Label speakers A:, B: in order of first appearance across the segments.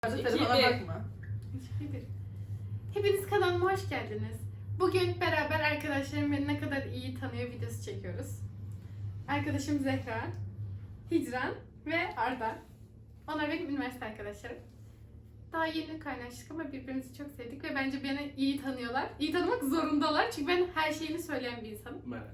A: Telefona bakma.
B: Hepiniz kanalıma hoş geldiniz. Bugün beraber arkadaşlarım beni ne kadar iyi tanıyor videosu çekiyoruz. Arkadaşım Zehra, Hicran ve Arda. Onlar benim üniversite arkadaşlarım. Daha yeni kaynaştık ama birbirimizi çok sevdik ve bence beni iyi tanıyorlar. İyi tanımak zorundalar çünkü ben her şeyini söyleyen bir insanım.
C: Merhaba.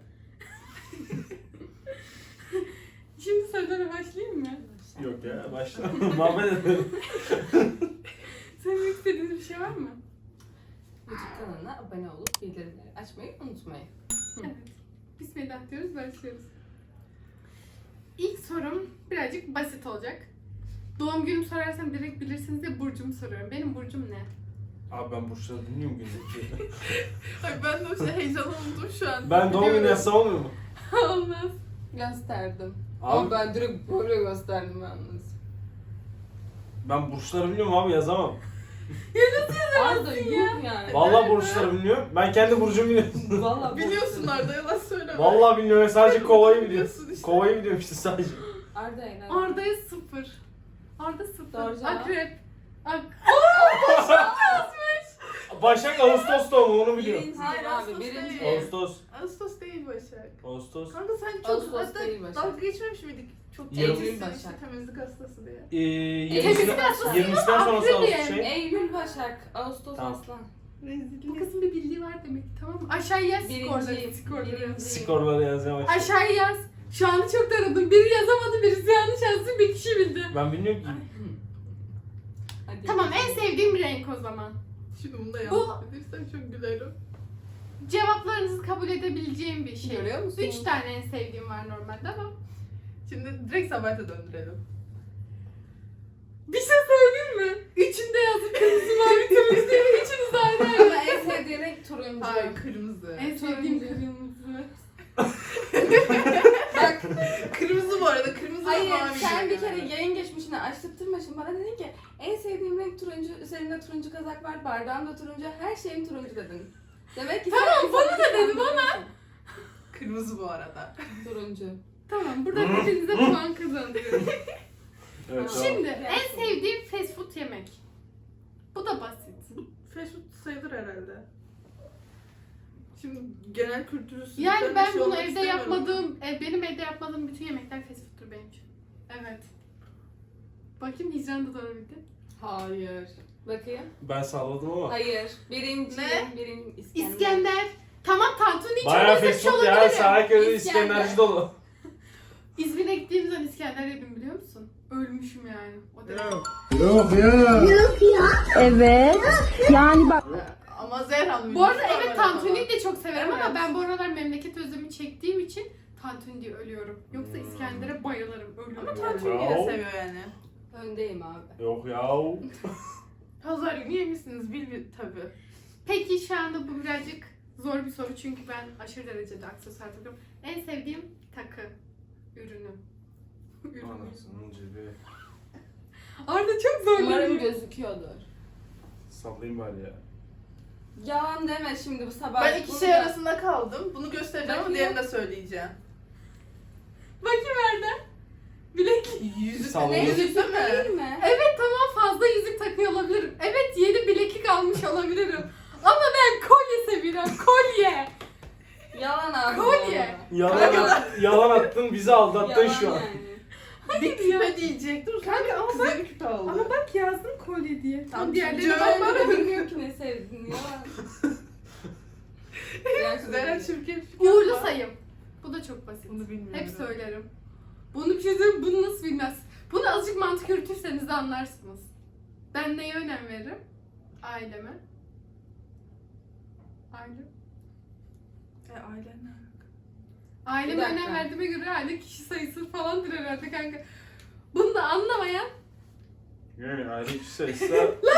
B: Şimdi sorulara başlayayım mı?
C: Yok ya başla. Muhabbet edelim.
B: Söylemek istediğiniz bir şey var mı?
A: YouTube kanalına abone olup bildirimleri açmayı unutmayın.
B: Evet. Bismillah diyoruz, başlıyoruz. İlk sorum birazcık basit olacak. Doğum günümü sorarsam direkt bilirsiniz diye burcumu soruyorum. Benim burcum ne?
C: Abi ben burçları bilmiyorum gündeki.
A: Ay ben de o şey heyecan oldum şu an.
C: Ben doğum günü yazsam olmuyor mu?
B: Olmaz.
A: Gösterdim.
C: Abi
A: Ama ben direkt böyle gösterdim yalnız.
C: ben burçları bilmiyorum abi yazamam.
A: Arda yok yani.
C: Vallahi burçları bilmiyorum. Ben kendi burcumu biliyorum.
A: Vallahi
D: Biliyorsun Arda, yalan söyleme.
C: Vallahi bilmiyorum. Sadece kovayı biliyorum.
D: Biliyorsun işte.
C: Kovayı biliyorum işte sadece.
A: Arda eğlen.
B: Arda'ya 0. Arda 0.
A: Doğru cevap.
B: Akrep.
C: Başak Ağustos doğumu onu biliyorum.
A: Birinci
D: Hayır,
A: abi
D: Ağustos
A: birinci.
D: değil.
C: Ağustos.
D: Ağustos değil Başak.
C: Ağustos.
D: Kanka sen çok
A: Ağustos değil
D: hatta
A: Başak.
D: dalga geçmemiş miydik? Çok
C: Eylül
D: temizsin
A: Başak.
D: işte, temizlik hastası diye.
B: Temizlik hastası
C: 20'sinden sonrası
B: Akrep
C: Ağustos şey.
A: Eylül Başak, Ağustos
C: Tamam.
A: Aslan.
B: Bu
D: Rezillik.
B: kızın bir bildiği var demek ki, tamam mı? Aşağıya yaz skorları.
A: Birinci.
C: Skorları yazmaya başladım.
B: Aşağıya yaz. Şu anda çok taradım. Biri yazamadı, birisi yanlış yazdı, bir kişi bildi.
C: Ben bilmiyorum ki.
A: Hadi.
B: Tamam, en sevdiğim renk o zaman.
D: Şimdi bunu da
B: Bu-
D: yanlış dediysem çok gülerim.
B: Cevaplarınızı kabul edebileceğim bir şey.
A: Görüyor musun?
B: 3 tane en sevdiğim var normalde ama.
D: Şimdi direkt Sabahat'e döndürelim.
B: Bir şey söyleyeyim mi? Üçünde yazıp kırmızı mavi turuncu diye üçünüz de aynı
A: Ama
B: yerde.
A: en sevdiği renk turuncu.
D: Hayır, kırmızı.
B: En sevdiğim
A: turuncu.
B: kırmızı.
A: Bak
D: Kırmızı bu arada, kırmızı ve
A: hayır
D: mavi.
A: sen bir
D: yani.
A: kere yayın geçmişine açtırtma şimdi bana dedin ki en sevdiğim renk turuncu, üzerinde turuncu kazak var, bardağım da turuncu, her şeyim turuncu dedin. Demek ki
B: Tamam,
A: sen
B: bana da dedim
A: ama.
D: Kırmızı bu arada.
A: Turuncu.
B: Tamam, burada hepinize puan kazandırıyorum.
C: Evet, tamam.
B: Şimdi en sevdiğim fast food yemek. Bu da basit.
D: Fast food sayılır herhalde. Şimdi genel kültürü
B: Yani
D: sürekli
B: ben
D: şey
B: bunu
D: olmak
B: evde
D: istemiyorum.
B: yapmadığım, benim evde yapmadığım bütün yemekler fast food'tur benim için. Evet. Bakayım Hicran da doğru bildi.
A: Hayır. Bakayım.
C: Ben salladım ama.
A: Hayır. Birinci.
D: Ne?
A: Birinci
B: İskender. Tamam, tantuni hiç
C: Bayağı
B: öyle bir
C: fast
B: şey
C: food ya.
B: olabilir.
C: Sahaköy'de
A: İskender.
C: İskenderci dolu.
B: İzmir'e gittiğim zaman İskender yedim, biliyor musun? Ölmüşüm yani. O derece.
D: Yok.
E: Evet. Yani bak.
D: Ama Zehra
B: Bu arada evet, tantuniyi de çok severim ama
D: Evet.
B: ben bu aralar memleket özlemi çektiğim için tantuni diye ölüyorum. Yoksa İskender'e bayılırım, ölüyorum.
D: Ama
B: yani.
D: tantuniyi de seviyor yani.
A: Öndeyim abi.
C: Yok yahu.
D: Pazar günü yemişsiniz bil tabii.
B: Peki şu anda bu birazcık zor bir soru çünkü ben aşırı derecede aksesuar takıyorum. En sevdiğim takı ürünü.
C: Anasının cebi.
B: Arda çok
A: Umarım
B: zorlanıyor.
A: gözüküyordur.
C: Sallayayım bari ya.
A: Yalan deme şimdi bu sabah.
D: Ben iki şey arasında kaldım. Bunu göstereceğim ama
A: Bakayım.
D: diğerini de söyleyeceğim.
B: Bakayım Arda. Bilek.
D: Yüzük
C: Sallama.
A: Ne
D: yüzük
A: yüzük
D: değil mi?
A: değil mi?
B: Evet tamam, fazla yüzük takıyor olabilirim. Evet, yeni bileklik almış olabilirim. Ama ben kolye seviyorum, kolye.
A: Yalan abi.
B: Kolye.
C: Yalan attın bizi aldattın
A: Yalan
C: şu an.
A: yani.
D: Bir küpe diyecektim.
B: Kanka ama
D: Kıza bir küpe oldu.
B: Ama bak yazdım kolye diye.
D: Tamam,
B: Diğerleri
D: cevap
B: bak.
A: Ben de bilmiyorum ki ne sevdiğini yalan.
D: Zehra çirkin.
B: Uğurlu sayım. Bu da çok basit.
D: Bunu bilmiyorum.
B: Hep söylerim. Bunu bir şey söyleyeyim, bunu nasıl bilmez? Bunu azıcık mantık yürütürseniz de anlarsınız. Ben neye önem veririm? Aileme. Ailem.
D: Ailen ne?
B: Aileme
A: Bir dakika.
B: önem verdiğime göre aile kişi sayısı falandır herhalde kanka. Bunu da anlamayan.
C: Yani ayrı bir sayısı.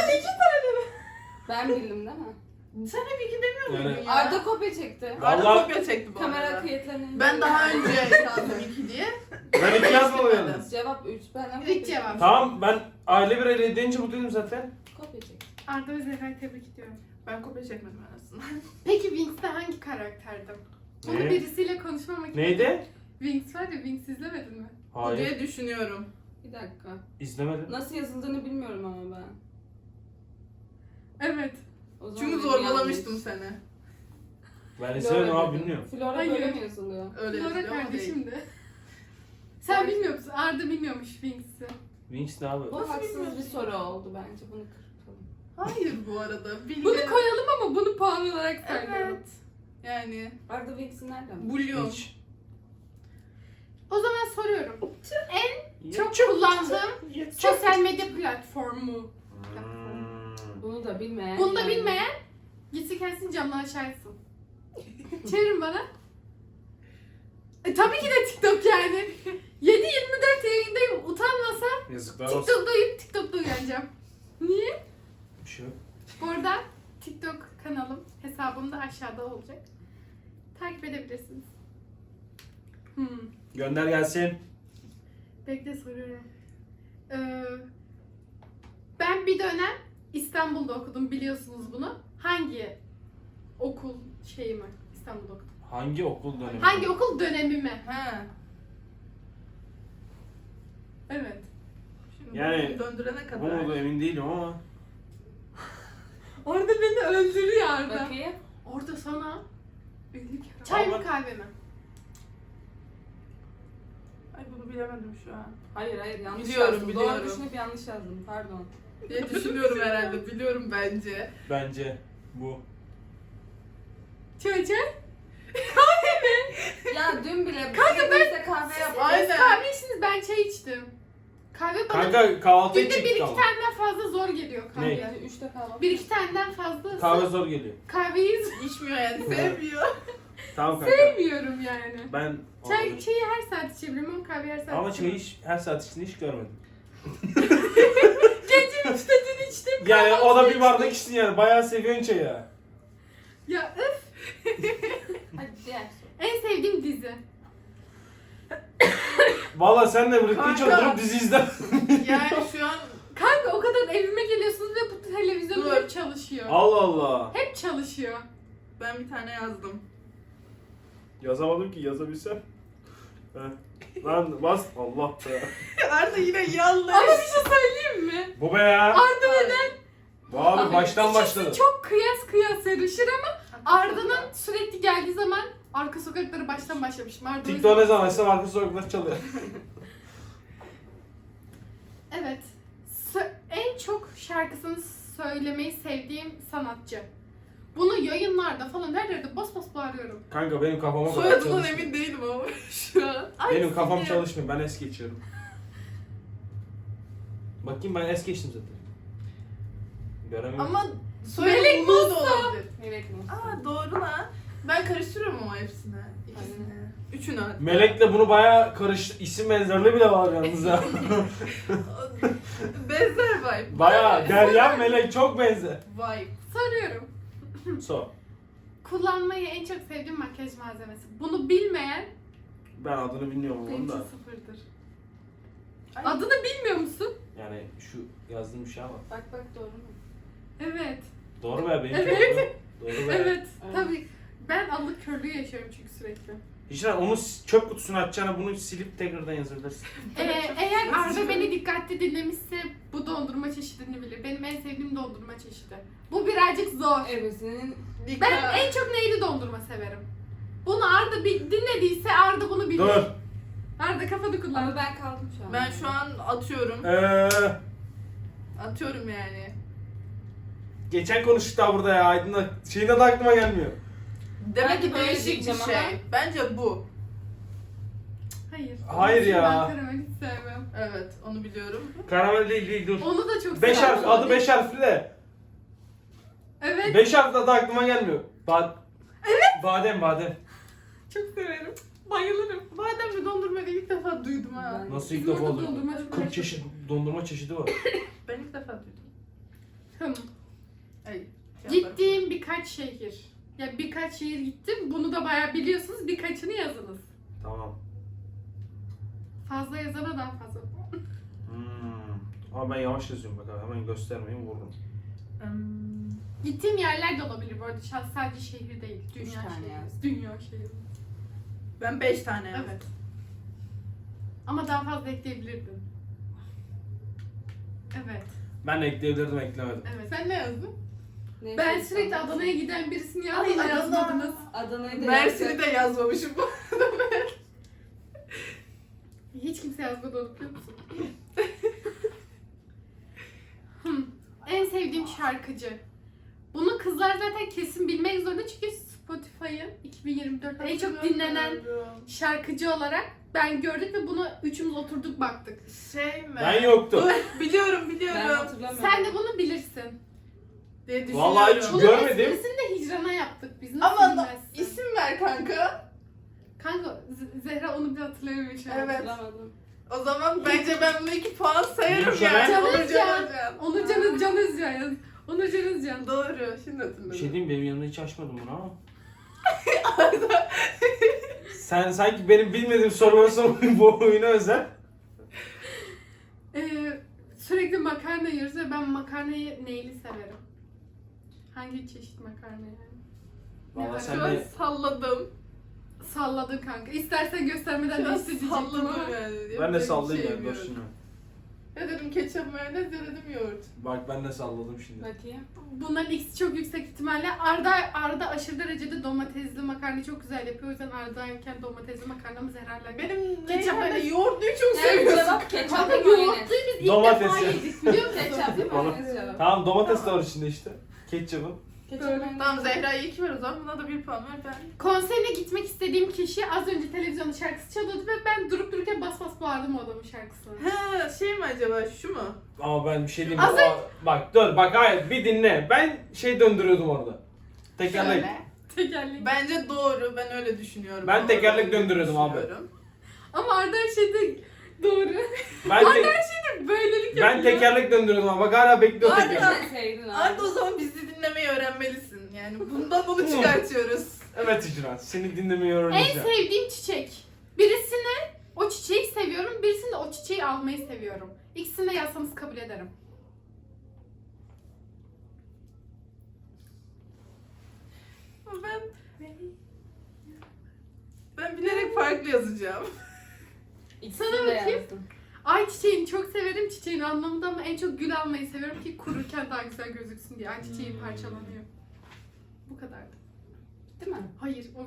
A: Ben bildim değil mi?
D: Sen hep iki demiyor muydun
C: Yani-
D: ya?
A: Arda kopya çekti.
D: Arda
C: Vallahi-
D: kopya çekti bu
A: Kamera
D: arada.
A: kayıtlarını.
D: Ben daha önce yazdım iki diye.
C: Ben iki yazmadım yalnız.
A: Cevap 3. Ben
B: İlk cevap.
C: Tamam ben aile bir ele deyince mutluyum zaten.
A: Kopya çekti.
B: Arda ve Zehra'yı tebrik ediyorum.
D: Ben kopya çekmedim en azından.
B: Peki Wings'te hangi karakterdim? Bunu
C: Ne?
B: birisiyle konuşmamak için.
C: Neydi?
B: Wings var ya, Wings izlemedin mi?
D: Bu
C: Hayır.
D: diye düşünüyorum.
A: Bir dakika.
C: İzlemedim.
A: Nasıl yazıldığını bilmiyorum ama ben.
B: Evet.
A: O zaman
D: Çünkü
A: benim
D: zorbalamıştım
A: yanlış.
D: seni.
C: Ben izlemedim
A: Flora
C: abi
A: dedim.
C: bilmiyorum.
A: Flora
B: Hayır.
A: böyle mi yazılıyor?
D: Öyle
B: Flora
D: yazıyor ama
B: kardeşim
D: değil.
B: de. Sen bilmiyor musun? Arda bilmiyormuş Wings'i.
C: Wings ne abi?
A: Bu
D: Nasıl
A: haksız bir
D: bilmiyorsun?
A: soru oldu bence. Bunu kırpalım.
D: Hayır bu arada. Bilgi...
B: Bunu koyalım ama bunu puan olarak sayalım.
D: Evet. Yani
A: Arda Wings'i nereden?
D: bulyon.
C: Hiç.
B: O zaman soruyorum. Çok kullandığım sosyal medya platformu.
C: Hmm.
A: Bunu da bilmeyen.
B: Bunu da
A: yani.
B: bilmeyen gitsin kendisini camdan aşağı etsin. Çevirin bana. Tabii ki de TikTok yani. 7/24 yayındayım. Utanmasam
C: Yazıklar olsun.
B: TikTok'ta uyanacağım. Niye?
C: Bir şey yok.
B: Bu arada TikTok kanalım, hesabım da aşağıda olacak. Takip edebilirsiniz.
C: Gönder gelsin.
B: Bekle soruyorum. Ben bir dönem İstanbul'da okudum, biliyorsunuz bunu. Hangi okul şeyimi İstanbul'da okudum?
C: Hangi okul dönemi?
B: Hangi okul dönemimi?
D: He.
B: Evet.
D: Şimdi
C: Yani
D: bunu döndürene
C: Bu
D: kadar.
C: mu emin değilim ama.
B: Orada beni öldürüyor Arda.
A: Bakayım.
B: Orada sana 50 kere.
C: Ama
B: Çay mı
C: ben-
B: kahve mi?
D: Ay bunu bilemedim şu an.
A: Hayır yanlış
D: Biliyorum,
A: yazdım.
D: biliyorum.
A: Doğru düşünüp yanlış yazdım. Pardon.
D: diye düşünüyorum herhalde. Biliyorum bence.
C: Bence bu.
B: Çay.
A: Ya dün bile
B: Kanka
A: ben kahve yaptım.
D: Aynen.
B: Kahve içtiniz, ben çay içtim. Kahve bana
C: Kanka kahvaltıya
B: günde
C: çıktık
B: 1-2
C: ama.
B: taneden fazla zor geliyor kahve.
C: Ne?
A: Yani 3'te kahvaltı.
B: 1-2 taneden fazla
C: Kahve zor geliyor.
B: kahveyi
D: İçmiyor yani. Sevmiyor.
C: Tamam kanka.
B: sevmiyorum yani.
C: Ben
B: Çayı her saat içebilirim ama kahveyi her saat
C: ama
B: içemem.
C: çayı her saat içtiğini hiç görmedim.
B: Gece 3'te dün içtim.
C: Yani o da
B: kahvaltıda
C: bir bardak
B: içtim.
C: içsin yani. Bayağı seviyorsun çayı.
B: Ya öf.
A: Hadi diğer soru.
B: En sevdiğim dizi.
C: Valla senle birlikte hiç
D: Kanka.
C: oturup dizi izle.
D: Yani şu an
B: Kanka o kadar evime geliyorsunuz ve bu televizyon
D: Dur.
B: hep çalışıyor.
C: Allah Allah.
B: Hep çalışıyor.
D: ben bir tane yazdım.
C: Yazamadım ki yazabilsem. Heh. Lan bas Allah be.
D: Arda yine yanlış.
B: Ama bir şey söyleyeyim mi?
C: Bu be ya.
B: Arda neden?
C: Bu abi baştan başladı.
B: İkisi çok kıyas yarışır ama Arda'nın sürekli geldiği zaman arka sokakları baştan başlamışım. Arda o
C: TikTok
B: yüzden-
C: ne zaman açsam arka sokaklar çalıyor.
B: Evet. En çok şarkısını söylemeyi sevdiğim sanatçı. Bunu yayınlarda falan her yerde bas bas bağırıyorum.
C: Kanka benim kafama kadar
D: Soyadından
C: çalışmıyor.
D: emin değilim ama şu an.
C: Benim kafam
D: sinir.
C: çalışmıyor. Ben es geçiyorum. Bakayım ben es geçtim zaten. Göremiyorum.
D: Ama soyadı
B: Melek
D: Ulu da olabilir.
A: Melek mi?
D: Aa doğru lan. Ben karıştırıyorum ama hepsini. İkisini. Üçünü hatta.
C: Melek'le bunu bayağı karıştı. İsim benzerliği bile var yalnız ya.
D: Benzer vibe.
C: Bayağı Derya Melek çok benzer.
D: Vibe.
B: Soruyorum.
C: So.
B: Kullanmayı en çok sevdiğim makyaj malzemesi. Bunu bilmeyen
C: Ben adını bilmiyorum
B: benim
C: onun
B: için
C: da.
B: sıfırdır.
D: Ay.
B: Adını bilmiyor musun?
C: Yani şu yazdığım bir şey ama.
A: Bak doğru mu?
B: Evet.
C: Doğru be benim
B: Evet.
C: doğru. Doğru be.
B: Evet.
A: Evet.
B: Tabii. Ben allık körlüğü yaşıyorum çünkü sürekli.
C: Hicran onu çöp kutusuna atacağına bunu silip tekrardan yazabilirsin.
B: Eğer Arda beni dikkatli dinlemişse bu dondurma çeşidini bilir. Benim en sevdiğim dondurma çeşidi. Bu birazcık zor.
A: Evet senin
B: Ben en çok neyli dondurma severim? Bunu Arda dinlediyse Arda bunu bilir.
C: Dur.
B: Arda kafanı kullan.
A: ama ben kaldım şu an.
D: Ben şu an atıyorum. Atıyorum yani.
C: Geçen konuştuk daha burada ya. Aydın'la şeyin adı aklıma gelmiyor.
D: Demek
A: Ben
D: ki
A: de böyle
D: değişik bir
A: diyeceğim
D: şey.
A: ama.
D: Bence bu.
B: Hayır.
C: Hayır ya.
B: Ben karamel hiç sevmem.
D: Evet, onu biliyorum.
C: Karamel değil dur.
B: Onu da çok
C: 5
B: severim.
C: harf adı 5 harfli de.
B: Evet.
C: 5 harfli adı aklıma gelmiyor. Badem.
B: Çok severim. Bayılırım.
D: Badem ve dondurmayı ilk defa duydum ha.
A: Ben-
C: Nasıl ilk
B: Bizim
C: defa
B: orada
C: oldu?
B: dondurma çok
C: 40 çeşit dondurma çeşidi var.
D: Ben ilk defa duydum.
B: Hım.
D: Ay,
B: Gittiğim birkaç şehir. Ya birkaç şehir gittim. Bunu da bayağı biliyorsunuz. Birkaçını yazınız.
C: Tamam.
B: Fazla yazana daha fazla.
C: Ama ben yavaş yazıyorum bak abi. Hemen göstermeyin vururum.
B: Gittiğim yerler de olabilir bu arada. Sadece şehir değil.
A: Üç
B: Dünya
A: tane
B: şehri.
A: yaz.
B: Dünya şehri.
D: Ben 5 tane yazdım.
B: Evet. Ama daha fazla ekleyebilirdin. Evet.
C: Ben ekleyebilirdim, eklemedim.
B: Evet. Sen ne yazdın?
A: Neyse,
B: Ben sürekli
A: tamam.
B: Adana'ya giden birisini
D: Ay,
B: yazdım da
D: Adana.
B: yazmadınız.
A: Adana'yı da
D: Mersin'i de yazmamışım.
B: Hiç kimse yazmadı onu biliyor musun? En sevdiğim şarkıcı. Bunu kızlar zaten kesin bilmek zorunda çünkü Spotify'ın 2024'te en çok dinlenen şarkıcı olarak ben gördük ve bunu üçümüz oturduk baktık.
D: Şey mi?
C: Ben yoktum.
D: Dur, biliyorum
A: Ben
D: biliyorum.
A: hatırlamıyorum.
B: Sen de bunu bilirsin.
D: Diye düşünüyorum.
C: Vallahi hiç
B: Bunun
C: görmedim.
B: esprisini de Hicran'a yaptık biz. Nasıl
D: Ama
B: bilmezsin?
D: isim ver kanka.
B: Kanka Zehra onu bile hatırlayamıyor şu an.
D: Evet.
A: Hatırlamadım.
D: O zaman bence ben bunu 2 puan sayarım
C: Yoksa
D: yani.
B: Can
D: Onurcan
B: Özcan.
D: Özcan.
B: Onurcan Can Özcan yaz. Onurcan Özcan.
D: Doğru. Şimdi hatırladım.
C: Bir şey diyeyim, benim yanımda hiç açmadım bunu ama. Sen sanki benim bilmediğim soruları sormayın bu oyuna özel.
B: Sürekli makarna yiyoruz ve ben makarnayı neyli severim? Hangi çeşit makarna yani?
C: Vallahi
B: Şu
C: sen
D: Şu an
C: de
D: salladım.
B: Salladın kanka. İstersen göstermeden
D: Şu an
B: değiştir diyecektim ama.
D: salladım yani.
C: ben de
D: Yapacak
C: sallayayım
D: bir
C: yani,
D: şeyim
C: dur
D: yok.
C: şimdi.
D: Ya dedim ketçap mayonez ya dedim yoğurt.
C: Bak ben de salladım şimdi.
A: Bakayım.
B: Bunların ikisi çok yüksek ihtimalle. Arda aşırı derecede domatesli makarnayı çok güzel yapıyor. O yüzden Arda yerken domatesli makarnamız herhalde.
D: Benim
B: Ketçap
D: neyse
B: mayonez.
D: yoğurtluyu çok
A: Yani
D: seviyorsun.
A: cevap ketçap
B: Kanka
A: ve mayonez.
B: yoğurtluyu biz ilk
C: Domates
B: defa
C: ya.
B: yedik biliyor musun?
A: Ketçap ve mayonez cevap.
C: Tamam, domates de var içinde işte. Ketçapın.
A: Ketçap mayonez.
D: Tamam Zehra'ya 2 ver o zaman. Buna da 1 puan ver ben.
B: Konserine gitmek istediğim kişi az önce televizyonda şarkısı çalıyordu ve ben durup dururken bas bas bağırdım o adamın şarkısını.
D: Ha şey mi acaba şu mu?
C: Ama ben bir şey diyeyim.
B: Az
C: Bak dur, bak hayır, bir dinle. Ben şey döndürüyordum orada. Tekerlek.
B: Şöyle. Tekerlek.
D: Bence doğru. Ben öyle düşünüyorum.
C: Ben
D: Ama
C: tekerlek
D: öyle
C: döndürüyordum abi.
D: düşünüyorum.
B: Ama Arda her şeyde doğru.
C: Ben,
B: Arda her şeyde böylelik yapıyor.
C: ben tekerlek döndürüyordum ama bak hala bekliyor
D: Hadi
C: tekerlek.
D: lan.
A: Sen sevdin abi.
D: Arda o zaman bizi dinlemeyi öğrenmelisin. Yani bundan bunu çıkartıyoruz.
C: Evet İcran, seni dinlemeyi
B: En
C: öğreneceğim.
B: sevdiğim çiçek. Birisini o çiçeği seviyorum, birisini de o çiçeği almayı seviyorum. İkisini de yazsanız kabul ederim.
D: Ama ben bilerek farklı yazacağım.
A: İkisini
B: Sana
A: de
B: bakayım.
A: yazdım.
B: Ay çiçeğini çok severim çiçeğin anlamında ama en çok gül almayı seviyorum ki kururken daha güzel gözüksün diye. Ay çiçeğim parçalanıyor. Bu kadardı.
A: Değil mi?
B: Hayır o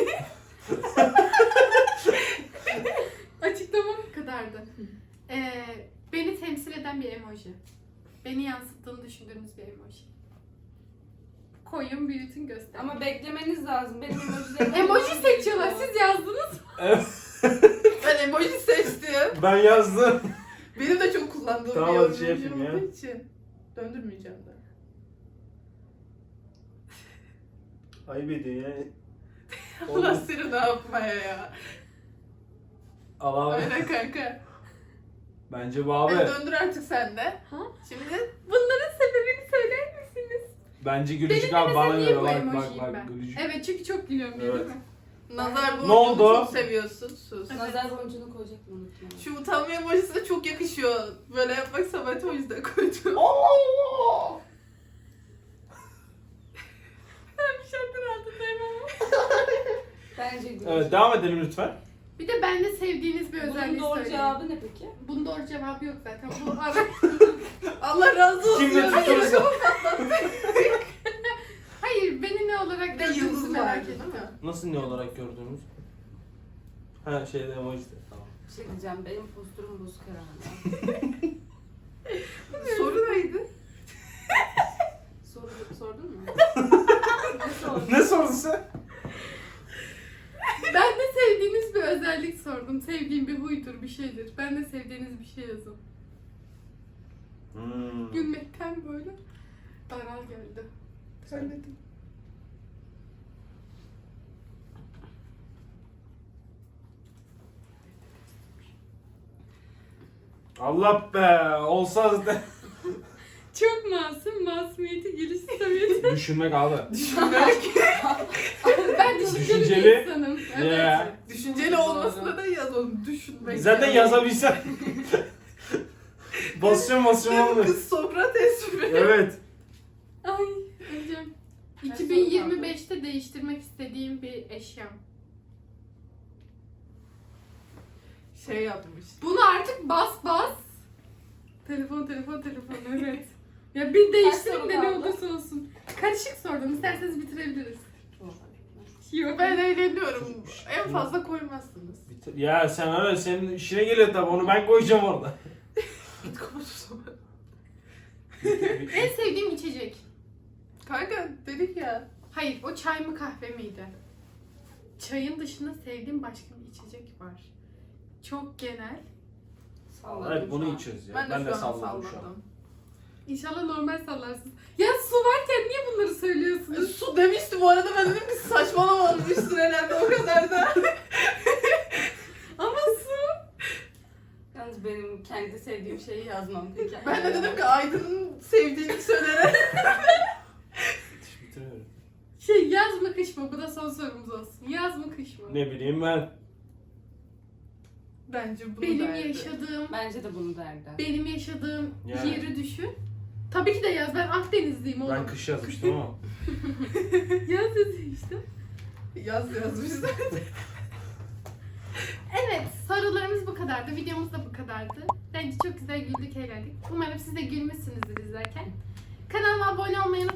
B: Açıklamam bu kadardı. Beni temsil eden bir emoji. Beni yansıttığını düşündüğünüz bir emoji. Koyun, büyütün, gösterin.
A: Ama beklemeniz lazım. Benim emojilerim...
B: Emoji seçiyorlar. Siz yazdınız mı?
D: Ben emoji seçtim.
C: Ben yazdım.
D: Benim de çok kullandığım
C: Tamam,
D: bir
C: hadi şey
D: emoji
C: yapayım ya.
D: olduğu için. Döndürmeyeceğim de.
C: Ayıp ediyor ya.
D: Allah seni ne yapmaya ya.
C: Al abi.
D: Aynen kanka.
C: Bence bu abi.
D: Hadi döndür artık sen de.
B: Ha?
D: Şimdi
B: Bunların sebebini söyler misiniz?
C: Bence Gülücük
B: Benim
C: abi bana
B: niye
C: göre.
B: bu
C: Bak
B: emojiyim
C: bak
B: ben?
C: Gülücük.
B: Evet çünkü çok gülüyorum
C: Evet.
B: değil mi?
D: nazar
C: Ne
D: boncuğunu
C: oldu?
D: çok seviyorsun. Sus.
A: Nazar boncuğunu koyacaktım unutma.
D: Şu utanma emojisi de çok yakışıyor. Böyle yapmak Samet'e o yüzden koydum.
C: Allah!
B: Ben bir şartın altındayım ama.
A: Bence gülücük.
C: Evet, devam edelim lütfen.
B: Bir de bende sevdiğiniz bir
A: Bunun
B: özelliği
A: doğru
B: söyleyeyim.
A: cevabı ne peki?
B: Bunun doğru cevabı yok zaten. Bu ara...
D: Allah razı olsun.
C: Kimle tutursa.
B: Hayır beni ne olarak
D: Bir de
B: gördüğünüzü
D: yıldız
B: merak
D: vardı
B: ettim.
D: değil mi?
C: Nasıl ne olarak gördüğümüz? Ha şeyde emoji de. Tamam.
A: Bir şey diyeceğim. Benim posturum bozuk herhalde.
D: Soru neydi?
A: Sordun mu? Ne sordun?
C: Ne sordun sen?
B: Ben de sevdiğiniz bir özellik sordum. Sevdiğim bir huydur, bir şeydir. Ben de sevdiğiniz bir şey yazın. Gülmekten böyle daral geldi. Söyledim.
C: Allah be! Olsa zaten.
B: Çok masum, masumiyeti, geliş samimiyeti.
C: Düşünmek abi.
B: Ben düşünceli
C: Düşünceli.
B: bir insanım. Evet.
C: Yeah.
D: Düşünceli olmasına da yaz onu. Düşünmek.
C: Zaten yazabilsen. basıyorum olmuyor.
D: Kız Sokrates mi?
C: Evet.
B: Ay, hocam. 2025'te değiştirmek istediğim bir eşyam.
D: Şey yapmış.
B: Bunu artık bas bas Telefon evet. Ya bir değiştirin
A: soru
B: de ne
A: kaldı?
B: olursa olsun. Karışık sordum. İsterseniz bitirebiliriz. Yok.
D: Ben eğleniyorum. En fazla koymazsınız.
C: Ya sen öyle senin işine geliyor tabi onu ben koyacağım orada.
D: Git kapat o zaman.
B: En sevdiğim içecek.
D: Kanka dedik ya.
B: Hayır, o çay mı kahve miydi? Çayın dışında sevdiğim başka bir içecek var. Çok genel.
A: Salladım
C: Evet
A: şu
C: bunu
A: an.
C: içiyoruz ya.
D: Ben
C: Ben
D: de
C: de
D: şu an
C: salladım şu an.
D: salladım.
B: İnşallah normal sallarsınız. Ya su varken niye bunları söylüyorsunuz?
D: Su demişti bu arada, ben dedim ki saçmalamamıştır herhalde o kadar da.
B: Ama su.
A: Yalnız benim kendi sevdiğim şeyi yazmam. Hikaye.
D: Ben de dedim ki Aydın'ın sevdiğini söylere.
C: Hiç bitiremiyorum.
B: Yaz mı kış mı? Bu da son sorumuz olsun. Yaz mı kış mı?
C: Ne bileyim ben.
D: Bence bunu
B: Benim
D: derdi.
B: yaşadığım
A: Bence de bunu derdi.
C: Yani.
B: yeri düşün. Tabii ki de yaz. Ben Akdenizliyim oğlum.
C: Ben kış yazmıştım ama.
B: Yaz yazıyor işte.
D: Yaz yazmış zaten.
B: Evet, sorularımız bu kadardı. Videomuz da bu kadardı. Bence çok güzel güldük, eğlendik. Umarım siz de gülmüşsünüzdür izlerken. Kanalıma abone olmayı unutmayın.